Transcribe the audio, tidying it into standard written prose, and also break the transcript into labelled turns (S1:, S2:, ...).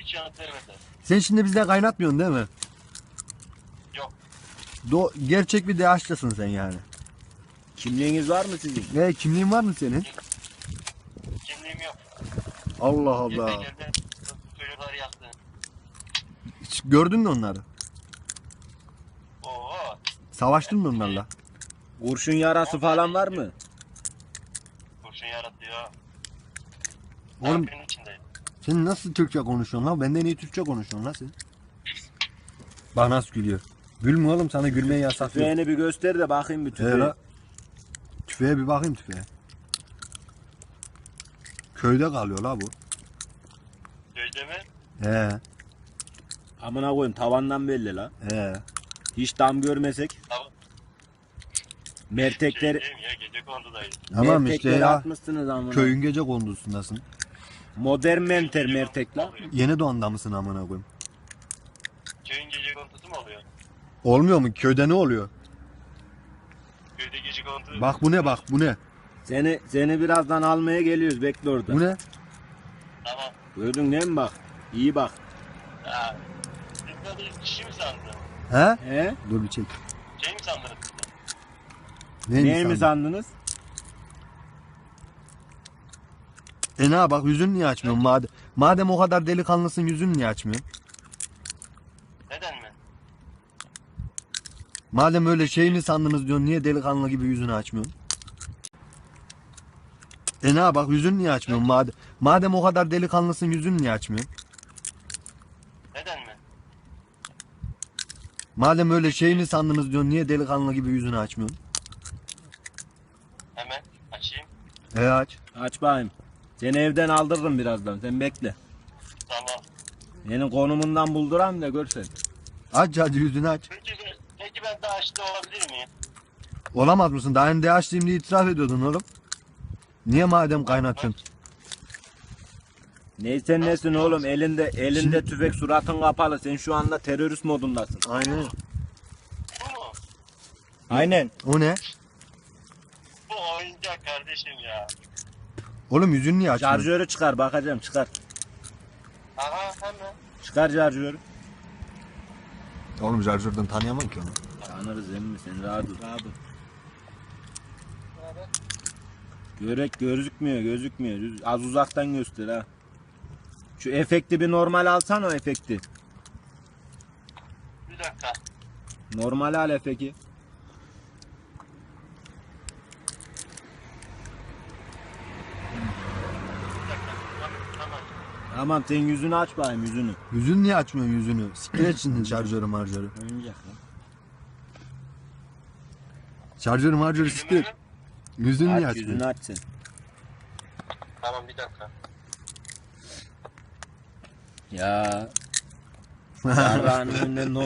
S1: hiç yanıt vermediler.
S2: Sen şimdi bizde kaynatmıyorsun değil mi?
S1: Yok.
S2: Gerçek bir DH'lısın sen yani.
S3: Kimliğiniz var mı sizin?
S2: Ne kimliğin var mı senin?
S1: Kimliğim yok.
S2: Allah Allah.
S1: Geldi çocukları yaktı.
S2: Hiç gördün mü onları?
S1: Oo.
S2: Savaştın mı onlarla?
S3: Kurşun yarası falan var mı?
S1: Kurşun yarattı ya.
S2: Oğlum
S1: Benim içindeyim.
S2: sen nasıl Türkçe konuşuyorsun lan? Benden iyi Türkçe konuşuyorsun lan sen. Bak nasıl gülüyor. Gülme oğlum, sana gülmeyi yasaklıyor.
S3: Tüfeğini bir göster de bakayım bir tüfeği.
S2: La. Tüfeğe bir bakayım tüfeğe. Köyde kalıyor la bu.
S1: Köyde mi?
S2: He
S3: Amına koyayım tavandan belli la.
S2: he.
S3: Hiç dam görmesek.
S1: Tamam.
S3: Mertekleri,
S1: Şeydeyim ya, gece kondudayım.
S2: Tamam işte
S3: mertekleri
S2: ya.
S3: atmışsınız amına.
S2: Köyün gece kondusundasın.
S3: Modern menter mertek la.
S2: Yeni doğanda mısın amına koyayım?
S1: Köyün gece kondusu mu oluyor?
S2: Olmuyor mu? Köyde ne oluyor?
S1: Köyde gece kondusu.
S2: Bak bu ne, bak bu ne?
S3: Seni birazdan almaya geliyoruz, bekle orada.
S2: Bu ne?
S1: Tamam.
S3: Gördün değil mi bak? İyi bak.
S1: Ha. Siz de kişi mi sandın?
S2: He?
S3: He?
S2: Dur bir çek.
S1: Şey mi sandınız?
S3: Neyi mi sandınız?
S2: Ne bak, yüzünü niye açmıyorsun madem o kadar delikanlısın, yüzünü niye açmıyorsun?
S1: Neden mi?
S2: Madem öyle şey mi sandınız diyorsun, niye delikanlı gibi yüzünü açmıyorsun? Ne bak, yüzünü niye açmıyorsun madem o kadar delikanlısın, yüzünü niye açmıyorsun?
S1: Neden mi?
S2: Madem öyle şey mi sandınız diyorsun, niye delikanlı gibi yüzünü açmıyorsun?
S1: Hemen açayım.
S2: Aç.
S3: Aç bakayım. Seni evden aldırırım birazdan, sen bekle.
S1: Tamam.
S3: Benim konumundan bulduram da görsen.
S2: Aç hadi, yüzünü aç.
S1: Peki ben daha açlı olabilir miyim?
S2: Olamaz mısın? Daha önce açtığım diye itiraf ediyordun oğlum. Niye madem kaynatıyorsun?
S3: Neysen nesin oğlum, elinde
S2: Şimdi-
S3: tüfek, suratın kapalı, sen şu anda terörist modundasın.
S2: Aynen.
S1: Bu mu?
S3: Aynen.
S2: O ne?
S1: Bu oyuncak kardeşim ya.
S2: Oğlum yüzünü niye açmıyorsun?
S3: Şarjörü çıkar, bakacağım, çıkar.
S1: Aha hemen.
S3: Çıkar şarjörü.
S2: Oğlum şarjörden tanıyamam ki onu.
S3: Tanırız emmi, sen rahat ol. Gözükmüyor. Az uzaktan göster ha. Şu efekti bir normal alsan, o efekti.
S1: Bir dakika.
S3: Normal al efekti.
S1: Bir dakika. Tamam.
S3: Tamam, sen yüzünü aç bakayım, yüzünü.
S2: Yüzünü niye açmıyorsun yüzünü? Siktir et şimdi şarjörü marjörü.
S3: Oyuncak lan.
S2: Şarjörü marjörü siktir et. Yüzünü niye
S3: Aç, yüzünü
S2: açmıyorsun?
S3: aç sen.
S1: Tamam bir dakika.
S3: Ya. Yarrağın önünden